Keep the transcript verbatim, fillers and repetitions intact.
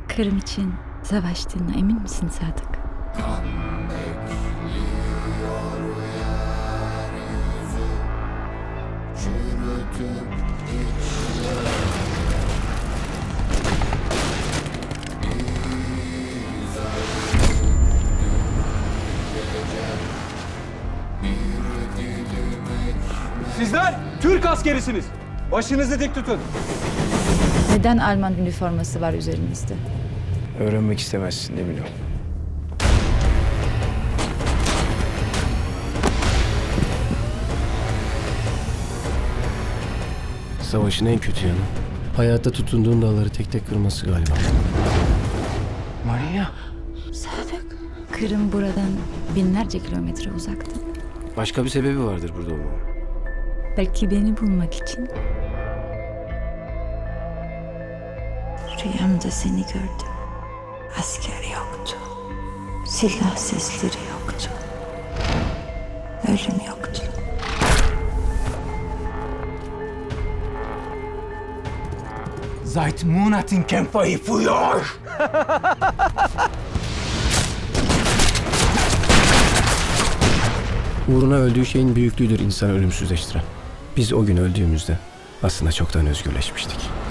Kırım için savaştığına emin misin Sadık? Sizler Türk askerisiniz. Başınızı dik tutun. Neden Alman üniforması var üzerinizde? Öğrenmek istemezsin değil mi Lo? Savaşın en kötü yanı hayatta tutunduğun dağları tek tek kırması galiba. Maria. Sadık. Kırım buradan binlerce kilometre uzakta. Başka bir sebebi vardır burada olmamın. Belki beni bulmak için. Rüyamda seni gördüm. Asker yoktu. Silah sesleri yoktu. Ölüm yoktu. Seit Monaten kämpfe ich für euch. Uğruna öldüğü şeyin büyüklüğüdür insanı ölümsüzleştiren. Biz o gün öldüğümüzde aslında çoktan özgürleşmiştik.